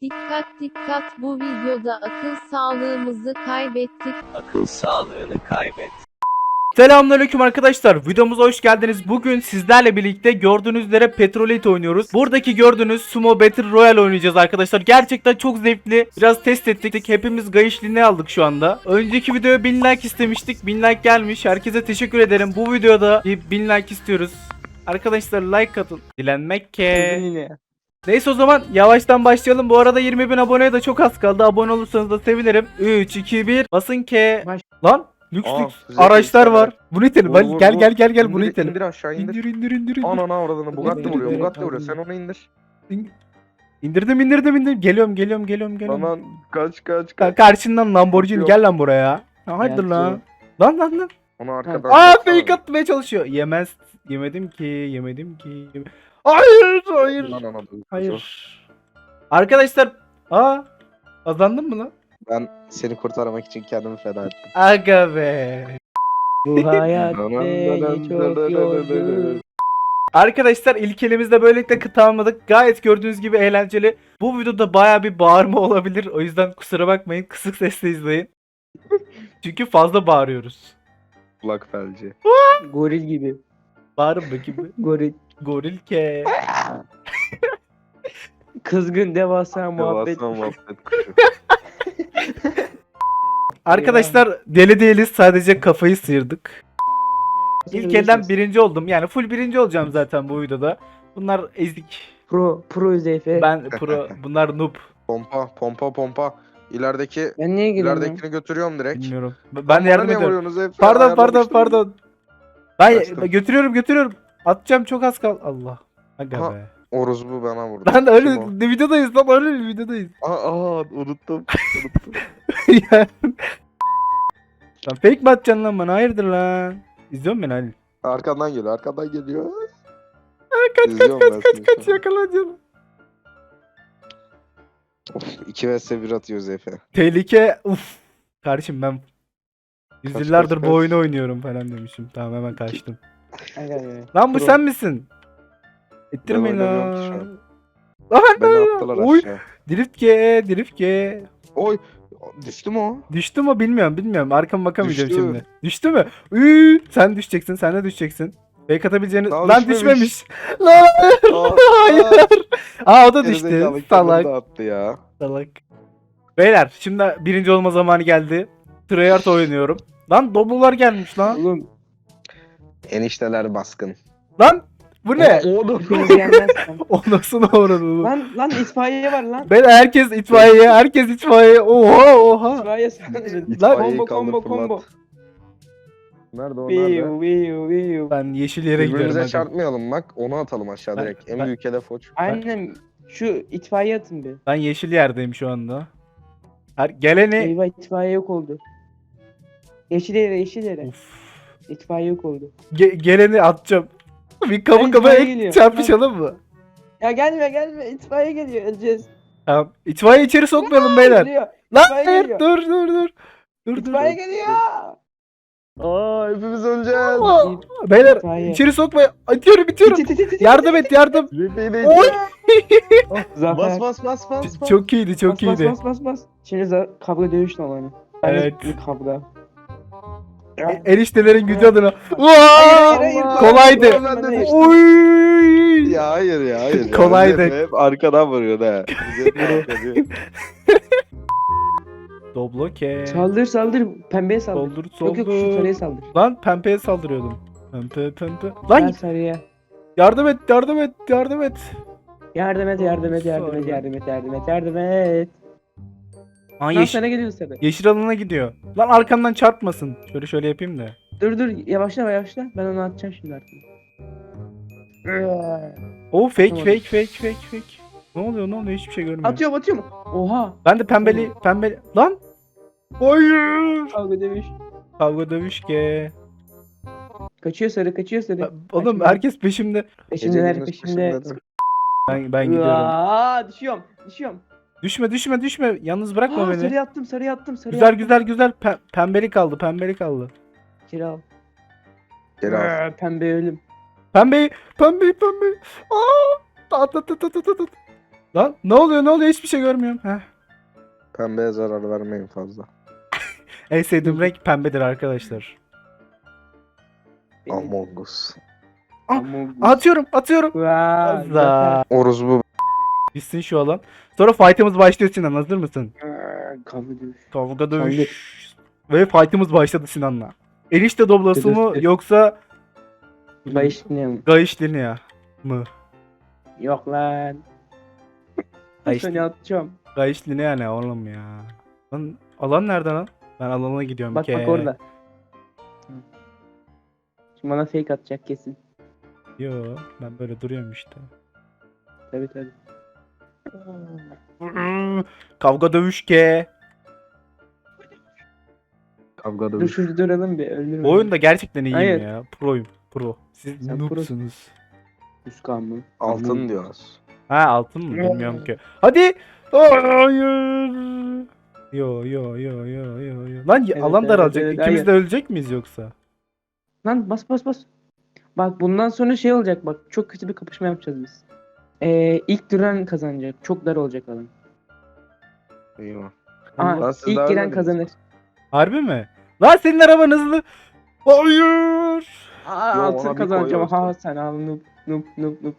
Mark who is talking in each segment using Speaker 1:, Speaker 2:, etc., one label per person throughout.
Speaker 1: Dikkat dikkat, bu videoda akıl sağlığımızı kaybettik.
Speaker 2: Akıl sağlığını kaybet.
Speaker 3: Selamünaleyküm arkadaşlar. Videomuza hoş geldiniz. Bugün sizlerle birlikte gördüğünüz üzere Petrolite oynuyoruz. Buradaki gördüğünüz Sumo Battle Royale oynayacağız arkadaşlar. Gerçekten çok zevkli. Biraz test ettik. Hepimiz gayışlığını aldık şu anda. Önceki videoya 1000 like istemiştik. 1000 like gelmiş. Herkese teşekkür ederim. Bu videoda 1000 like istiyoruz. Arkadaşlar like atın. Dilenmek ke. Neyse o zaman yavaştan başlayalım. Bu arada 20.000 aboneye de çok az kaldı. Abone olursanız da sevinirim. 3, 2, 1. Basın ke. Lan. Lüks lüks
Speaker 4: güzel
Speaker 3: araçlar
Speaker 4: lüks
Speaker 3: var. Bunu itelim.
Speaker 4: Vur,
Speaker 3: Hadi
Speaker 4: vur,
Speaker 3: gel
Speaker 4: vur.
Speaker 3: gel gel gel bunu itelim.
Speaker 4: İndir aşağı indir.
Speaker 3: İndir.
Speaker 4: Anana avradını Bugatti
Speaker 3: İndir,
Speaker 4: vuruyor.
Speaker 3: indir.
Speaker 4: Bugatti vuruyor. Sen onu indir.
Speaker 3: İndirdim. Geliyorum.
Speaker 4: Aman kaç.
Speaker 3: Karşından Lamborghini
Speaker 4: Yok.
Speaker 3: gel lan buraya. Ha, hayırdır lan. Lan.
Speaker 4: Onu arkadan.
Speaker 3: Aa
Speaker 4: baksana.
Speaker 3: fake atmaya çalışıyor. Yemedim ki. Hayır.
Speaker 4: Lan ana,
Speaker 3: Hayır. Arkadaşlar. Kazandın mı lan?
Speaker 5: Ben seni kurtarmak için kendimi feda ettim.
Speaker 3: Aga be.
Speaker 6: Bu hayat beni çok yordu.
Speaker 3: Arkadaşlar ilk elimizde böylelikle tamamladık. Gayet gördüğünüz gibi eğlenceli. Bu videoda baya bir bağırma olabilir. O yüzden kusura bakmayın. Kısık sesle izleyin. Çünkü fazla bağırıyoruz.
Speaker 4: Kulak felci.
Speaker 6: Goril gibi.
Speaker 3: Bağırın bakayım.
Speaker 6: Goril.
Speaker 3: Goril ke.
Speaker 6: Kızgın devasa muhabbet.
Speaker 4: Devasa muhabbet kuşu.
Speaker 3: Arkadaşlar deli değiliz. Sadece kafayı sıyırdık. İlk elden birinci oldum. Yani full birinci olacağım zaten bu videoda. Bunlar ezik.
Speaker 6: Pro Zeyfe.
Speaker 3: Ben pro. Bunlar noob.
Speaker 4: Pompa. İlerideki
Speaker 6: Ben niye geliyorum?
Speaker 4: ileridekini götürüyorum direkt.
Speaker 3: Bilmiyorum. Ben
Speaker 4: Bana
Speaker 3: yardım
Speaker 4: niye
Speaker 3: ediyorum.
Speaker 4: vuruyorsunuz hep?
Speaker 3: Pardon.
Speaker 4: Ayarlamıştım.
Speaker 3: Ben
Speaker 4: Kaçtım.
Speaker 3: götürüyorum. Atacağım çok az kal. Allah. Aga
Speaker 4: Ha.
Speaker 3: be.
Speaker 4: Oruz bu bana vurdu.
Speaker 3: Lan öyle
Speaker 4: Kim o?
Speaker 3: videodayız lan öyle videodayız.
Speaker 4: Unuttum.
Speaker 3: Ya. Lan fake mi atacaksın lan bana? Hayırdır lan? İzliyor musun beni Halil?
Speaker 4: Arkandan geliyor.
Speaker 3: Kaç
Speaker 4: İzliyorum ben seni.
Speaker 3: yakalayacaksın.
Speaker 5: Of 2 vs 1 atıyoruz Efe.
Speaker 3: Tehlike uf. Kardeşim ben yüzyıllardır
Speaker 4: kaç.
Speaker 3: bu oyunu oynuyorum falan demişim. Tamam hemen kaçtım.
Speaker 6: Aga be.
Speaker 3: Lan bu
Speaker 6: Pro.
Speaker 3: sen misin? İttirmeyin
Speaker 4: Ben oynamıyorum ki şu
Speaker 3: lan.
Speaker 4: an.
Speaker 3: Lan
Speaker 4: Beni attılar
Speaker 3: Oy.
Speaker 4: aşağı.
Speaker 3: Drift G.
Speaker 4: Oy. Düştü mü o?
Speaker 3: Düştü mü bilmiyorum. Arkama bakamayacağım
Speaker 4: Düştü.
Speaker 3: şimdi. Düştü mü? Sen düşeceksin. Sen de düşeceksin. Fake atabileceğini...
Speaker 4: Daha
Speaker 3: Lan
Speaker 4: düşmemiş.
Speaker 3: düşmemiş. Lan hayır. O da düştü.
Speaker 4: Gerizekalı kendini
Speaker 3: Salak.
Speaker 4: de attı ya.
Speaker 3: Salak. Beyler şimdi birinci olma zamanı geldi. Treyarch oynuyorum. Lan Doblolar gelmiş lan.
Speaker 6: Oğlum.
Speaker 5: Enişteler baskın.
Speaker 3: Lan bu ne?
Speaker 6: Hepiniz yenmezsem.
Speaker 3: O nasıl uğradı bu?
Speaker 6: Lan itfaiye var lan.
Speaker 3: Beyler herkes itfaiye. Oha.
Speaker 6: İtfaiye saldırın.
Speaker 4: İtfaiyeyi
Speaker 6: Combo
Speaker 4: kaldır,
Speaker 6: combo.
Speaker 4: fırlat. Nerede o nerede?
Speaker 6: Viu.
Speaker 3: Ben yeşil yere gidiyorum.
Speaker 4: Birbirimize
Speaker 3: hadi.
Speaker 4: çarpmayalım bak. Onu atalım aşağı
Speaker 3: Ben-
Speaker 4: direkt. En
Speaker 3: ben-
Speaker 4: büyük hedef o.
Speaker 6: Aynen. Şu itfaiye atın bir.
Speaker 3: Ben yeşil yerdeyim şu anda. Geleni...
Speaker 6: Eyvah itfaiye yok oldu. Yeşil yere.
Speaker 3: Of.
Speaker 6: İtfaiye yok oldu.
Speaker 3: Geleni atacağım. Bir kapı
Speaker 6: Ay,
Speaker 3: kapıya
Speaker 6: itfaiye geliyor.
Speaker 3: çarpışalım mı?
Speaker 6: Ya gelme itfaiye geliyor öleceğiz.
Speaker 3: Tamam. İtfaiye içeri sokmayalım beyler.
Speaker 6: Geliyor.
Speaker 3: Lan
Speaker 6: itfaiye
Speaker 3: hayır
Speaker 6: geliyor.
Speaker 3: dur.
Speaker 6: İtfaiye geliyor.
Speaker 4: Aa hepimiz öleceğiz.
Speaker 3: Aa, Beyler
Speaker 6: İtfaiye.
Speaker 3: içeri sokmayın. Itiyorum. Yardım et.
Speaker 4: Zeyfe'yi
Speaker 3: Oy.
Speaker 6: Zafer.
Speaker 4: Bas.
Speaker 3: Çok iyiydi.
Speaker 6: Bas. Şimdi kavga dövüş zamanı.
Speaker 3: Evet.
Speaker 6: Kavga.
Speaker 3: Eniştelerin gücü adına.
Speaker 6: Hayır.
Speaker 3: Kolaydı.
Speaker 4: Ben de düştüm.
Speaker 3: Oy.
Speaker 4: Ya hayır ya.
Speaker 3: Kolaydı.
Speaker 4: Zeyfe hep arkadan vuruyor da.
Speaker 3: Dobloke.
Speaker 6: Saldır. Pembeye saldır.
Speaker 3: Soldur.
Speaker 6: Yok şu sarıya saldır.
Speaker 3: Lan pembeye saldırıyordum. Pembe.
Speaker 6: Ben
Speaker 3: Lan
Speaker 6: sarıya.
Speaker 3: yardım et.
Speaker 6: Yardım et.
Speaker 3: Aa,
Speaker 6: Lan sana geliyor sarı.
Speaker 3: yeşil alana gidiyor. Lan arkamdan çarpmasın. Şöyle yapayım da.
Speaker 6: Dur yavaşla. Ben onu atacağım şimdi artık.
Speaker 3: Oo fake.
Speaker 6: Tamam.
Speaker 3: Ne oluyor? Hiçbir şey görmüyorum.
Speaker 6: Atıyor mu? Oha.
Speaker 3: Ben de pembeli. Lan. Hayır.
Speaker 6: Kavga dövüş.
Speaker 3: Kavga dövüş ke.
Speaker 6: Kaçıyor sarı.
Speaker 3: Oğlum
Speaker 6: Kaçma.
Speaker 3: herkes peşimde.
Speaker 6: Peşimde.
Speaker 3: Ben gidiyorum.
Speaker 6: Aa, düşüyorum.
Speaker 3: Düşme. Yalnız bırakma beni.
Speaker 6: Sarıya attım.
Speaker 3: Güzel. Pembeli kaldı.
Speaker 6: Kira.
Speaker 4: Geri al.
Speaker 6: Pembe ölüm.
Speaker 3: Pembe. Aa! Lan ne oluyor ne oluyor hiçbir şey görmüyorum. Heh.
Speaker 5: Pembeye zarar vermeyin fazla.
Speaker 3: En sevdiğim renk pembedir arkadaşlar.
Speaker 6: Benim-
Speaker 5: Among Us.
Speaker 3: Atıyorum atıyorum.
Speaker 6: Vaa,
Speaker 3: Allah.
Speaker 5: Oruz bu.
Speaker 3: Bitsin şu alan. Sonra fight'ımız başlıyor Sinan, hazır mısın?
Speaker 6: Kavga dövüş.
Speaker 3: Kavga dövüş. Ve fight'ımız başladı Sinan'la. Enişte doblası mı
Speaker 6: Dövüş.
Speaker 3: yoksa
Speaker 6: Bayış ne?
Speaker 3: Gayış Linea mı?
Speaker 6: Yok lan.
Speaker 3: Gayış,
Speaker 6: Seni atacağım.
Speaker 3: Gayış Linea ne oğlum ya? Lan alan nerede lan? Ben alana gidiyorum
Speaker 6: Bak
Speaker 3: ki.
Speaker 6: bak orada. Hı. Şimdi bana fake atacak kesin.
Speaker 3: Yo ben böyle duruyorum işte.
Speaker 6: Tabii tabii.
Speaker 3: Kavga dövüş ke.
Speaker 5: Kavga
Speaker 6: Dur
Speaker 5: dövüş.
Speaker 6: şurada duralım bir öldürme.
Speaker 3: Bu oyunda gerçekten iyiyim
Speaker 6: Hayır.
Speaker 3: ya. Proyum. Pro. Siz
Speaker 6: Sen
Speaker 3: noobsunuz.
Speaker 6: Üskan mı?
Speaker 5: Altın diyoruz.
Speaker 3: Ha altın mı bilmiyorum ki. Hadi. Hayır. Yo yo yo yo yo yo. Lan
Speaker 6: Evet,
Speaker 3: alan
Speaker 6: evet,
Speaker 3: daralacak.
Speaker 6: evet,
Speaker 3: İkimiz
Speaker 6: hayır.
Speaker 3: de ölecek miyiz yoksa?
Speaker 6: Lan bas bas bas. Bak bundan sonra şey olacak bak. Çok kötü bir kapışma yapacağız biz. İlk duran kazanacak. Çok dar olacak alan.
Speaker 5: Eyvah.
Speaker 6: Aa,
Speaker 5: Lan siz
Speaker 6: ilk
Speaker 5: daha
Speaker 6: giren
Speaker 5: ölmediniz.
Speaker 6: kazanır.
Speaker 3: Harbi mi? Lan senin araban hızlı. Hayır.
Speaker 6: Aa,
Speaker 5: Yo,
Speaker 6: altın
Speaker 5: ona bir
Speaker 6: kazanacağım.
Speaker 5: koy
Speaker 6: Ha sen al noob noob noob noob.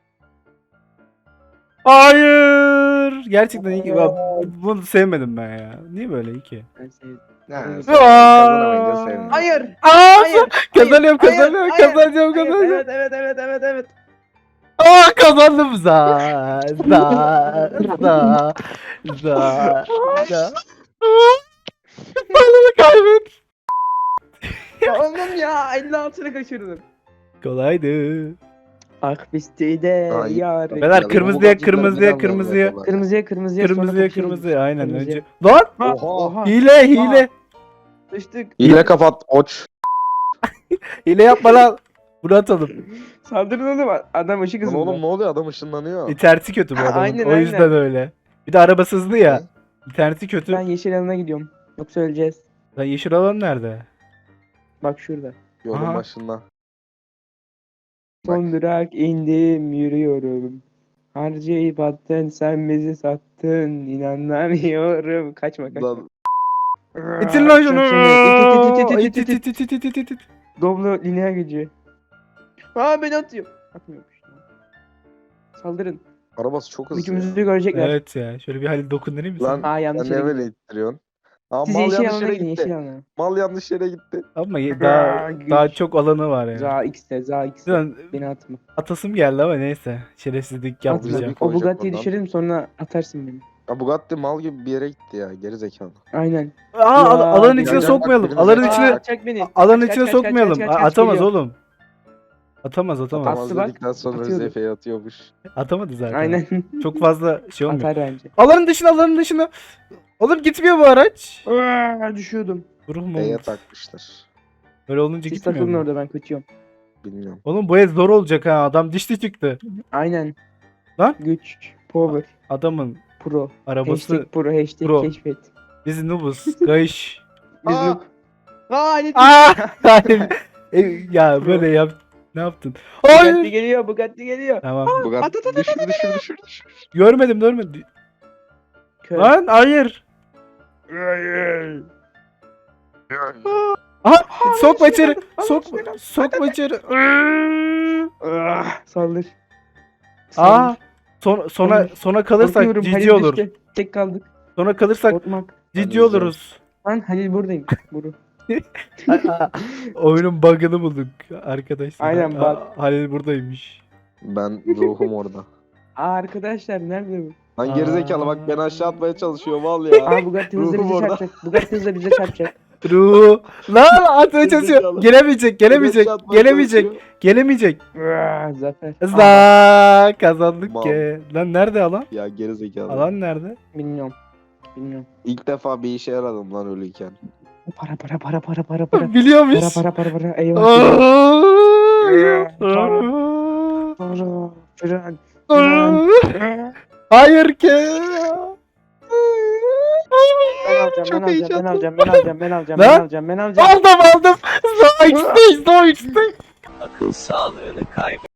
Speaker 3: Hayır. Gerçekten iyi ki. Bak, bunu sevmedim ben ya. Niye böyle iyi ki?
Speaker 6: Ben sevdim.
Speaker 5: Ha,
Speaker 6: Evet.
Speaker 5: sen kazanamayınca sevdim.
Speaker 6: Hayır.
Speaker 3: Aa,
Speaker 6: Hayır.
Speaker 3: kazanıyorum
Speaker 6: hayır,
Speaker 3: kazanıyorum
Speaker 6: hayır,
Speaker 3: kazanacağım
Speaker 6: hayır,
Speaker 3: kazanacağım.
Speaker 6: Evet evet evet evet evet.
Speaker 3: Aa kazandım za. Balonu kaybet.
Speaker 6: Ya oğlum ya 56'ını kaçırdım.
Speaker 3: Kolaydı.
Speaker 6: Akbistide
Speaker 5: Ay.
Speaker 6: yar.
Speaker 3: Beyler
Speaker 5: Ya,
Speaker 3: kırmızıya
Speaker 5: bu
Speaker 3: kırmızıya
Speaker 5: cidden
Speaker 3: kırmızıya.
Speaker 5: biraz
Speaker 6: Kırmızıya kırmızıya sonra
Speaker 3: Kırmızıya
Speaker 6: kapışırız.
Speaker 3: kırmızıya aynen
Speaker 6: Kırmızıya.
Speaker 3: önce. Lan
Speaker 6: Ha,
Speaker 5: Oha.
Speaker 3: hile hile.
Speaker 6: Düştük.
Speaker 5: Hile kapat oç.
Speaker 3: Hile yapma lan. Bunu atalım.
Speaker 6: Saldırın oğlum adam ışık
Speaker 5: Lan
Speaker 6: hızında.
Speaker 5: oğlum ne oluyor adam ışınlanıyor.
Speaker 3: İnterneti kötü bu
Speaker 6: Ha,
Speaker 3: adamın.
Speaker 6: aynen,
Speaker 3: O yüzden
Speaker 6: aynen.
Speaker 3: öyle. Bir de arabası hızlı ya.
Speaker 5: Ne?
Speaker 3: İnterneti kötü.
Speaker 6: Ben yeşil alana gidiyorum. Yoksa öleceğiz.
Speaker 3: Lan yeşil alan nerede?
Speaker 6: Bak şurada.
Speaker 5: Yolun
Speaker 3: Aha.
Speaker 5: başında.
Speaker 6: Son durak indim yürüyorum. Harcayıp attın sen bizi sattın inanamıyorum. Kaçma kaçma.
Speaker 5: Lan
Speaker 3: İtin lan şunu.
Speaker 6: İt, it, it, it, it,
Speaker 3: İt.
Speaker 6: Doblo lineer gücü. Aa beni atıyor. Atmıyormuş. Saldırın.
Speaker 5: arabası çok hızlı.
Speaker 6: Hükümümüzü görecekler.
Speaker 3: Evet ya. Şöyle bir Halil dokundurayım mı?
Speaker 5: Lan
Speaker 3: sana?
Speaker 6: Aa yanlış
Speaker 5: sen
Speaker 6: yere
Speaker 5: ne böyle
Speaker 6: gidiyor.
Speaker 5: ittiriyorsun? Aa,
Speaker 6: Siz
Speaker 5: mal
Speaker 6: yeşil
Speaker 5: yanlış
Speaker 6: alana
Speaker 5: yere
Speaker 6: gidin
Speaker 5: gitti.
Speaker 6: yeşil alana.
Speaker 5: Mal yanlış yere gitti.
Speaker 3: Ama
Speaker 6: Aa,
Speaker 3: daha
Speaker 6: güç.
Speaker 3: çok alanı var ya.
Speaker 6: Za X'te za X'te.
Speaker 3: Lan
Speaker 6: Beni atma.
Speaker 3: atasım geldi ama neyse. Şerefsizlik
Speaker 6: Atma.
Speaker 3: yapmayacağım.
Speaker 6: O
Speaker 5: Koyacak
Speaker 6: Bugatti'yi
Speaker 5: oradan.
Speaker 6: düşürelim sonra atarsın beni.
Speaker 5: Ya Bugatti mal gibi bir yere gitti ya. Geri zekalı.
Speaker 6: Aynen.
Speaker 3: Aa,
Speaker 6: Ya,
Speaker 3: alanın
Speaker 6: bir
Speaker 3: içine
Speaker 5: dakika,
Speaker 3: sokmayalım.
Speaker 5: bak,
Speaker 3: Alanın
Speaker 5: biriniz-
Speaker 3: içine
Speaker 6: Atacak beni.
Speaker 3: alanın
Speaker 6: Kaç,
Speaker 3: içine
Speaker 6: kaç, kaç,
Speaker 3: sokmayalım.
Speaker 6: kaç, kaç, kaç
Speaker 3: Atamaz
Speaker 6: geliyor.
Speaker 3: oğlum. Atamaz.
Speaker 6: Atamaz. bak,
Speaker 5: dedikten sonra
Speaker 6: atıyordu.
Speaker 5: Zefe'ye atıyormuş.
Speaker 3: Atamadı zaten.
Speaker 6: Aynen.
Speaker 3: Çok fazla şey olmuyor.
Speaker 6: Atar bence.
Speaker 3: Alanın dışına. Oğlum gitmiyor bu araç.
Speaker 6: Aa, düşüyordum.
Speaker 3: Ruh mu?
Speaker 5: B'ye takmışlar.
Speaker 3: Böyle olunca
Speaker 6: Siz
Speaker 3: gitmiyor
Speaker 6: takılın
Speaker 3: mu?
Speaker 6: orada ben kaçıyorum.
Speaker 5: Bilmiyorum.
Speaker 3: Oğlum bu el zor olacak ha. Adam dişli çıktı.
Speaker 6: Aynen.
Speaker 3: Lan?
Speaker 6: Güç. Power.
Speaker 3: Adamın
Speaker 6: Pro.
Speaker 3: arabası
Speaker 6: Hashtag pro. Hashtag
Speaker 3: pro.
Speaker 6: keşfet.
Speaker 3: biz noobuz. Gayış.
Speaker 6: Biz
Speaker 5: Aa!
Speaker 6: noob. Aa ne
Speaker 3: Aa! Hayır. Ya böyle yap. Ne yaptın?
Speaker 6: Bugatti
Speaker 3: Hayır.
Speaker 6: geliyor. Bugatti geliyor.
Speaker 3: Tamam.
Speaker 5: Bugatti düşür.
Speaker 3: Görmedim.
Speaker 6: Kör.
Speaker 3: Lan hayır. Aha sokma içeri. Sokma içeri.
Speaker 6: Saldır.
Speaker 3: Aa sona kalırsak
Speaker 6: Korkuyorum,
Speaker 3: cici
Speaker 6: Halil
Speaker 3: olur.
Speaker 6: düştü. Tek kaldık.
Speaker 3: Sona kalırsak
Speaker 6: Korkmak.
Speaker 3: cici oluruz.
Speaker 6: Lan Halil buradayım. Buru.
Speaker 3: Oyunun bug'ını bulduk arkadaşlar.
Speaker 6: Aynen, bug.
Speaker 3: Halil buradaymış.
Speaker 5: Ben ruhum orada.
Speaker 6: Aa arkadaşlar nerede bu?
Speaker 5: Lan gerizekalı bak beni aşağı atmaya çalışıyor mal ya.
Speaker 6: Aa Bugatti hızla
Speaker 5: Ruhum
Speaker 6: bize
Speaker 5: orada.
Speaker 6: çarpacak. Bugatti hızla bize çarpacak.
Speaker 3: Ruh. Lan atmaya çalışıyor.
Speaker 5: Gerizekalı.
Speaker 3: Gelemeyecek.
Speaker 5: Beni aşağı atmaya çalışıyor.
Speaker 3: Gelemeyecek.
Speaker 6: Zafer.
Speaker 3: Za kazandık
Speaker 5: Mal.
Speaker 3: ki. Lan nerede alan?
Speaker 5: Ya gerizekalı.
Speaker 3: Alan nerede?
Speaker 6: Bilmiyorum.
Speaker 5: İlk defa bir işe yaradım lan ölüyken.
Speaker 6: Para.
Speaker 3: Biliyormuş.
Speaker 6: Para. Eyvah. Para.
Speaker 3: Hayır ki.
Speaker 6: Ben alacağım.
Speaker 3: Aldım. Zoix'te.
Speaker 2: Akıl sağlığını kaybet.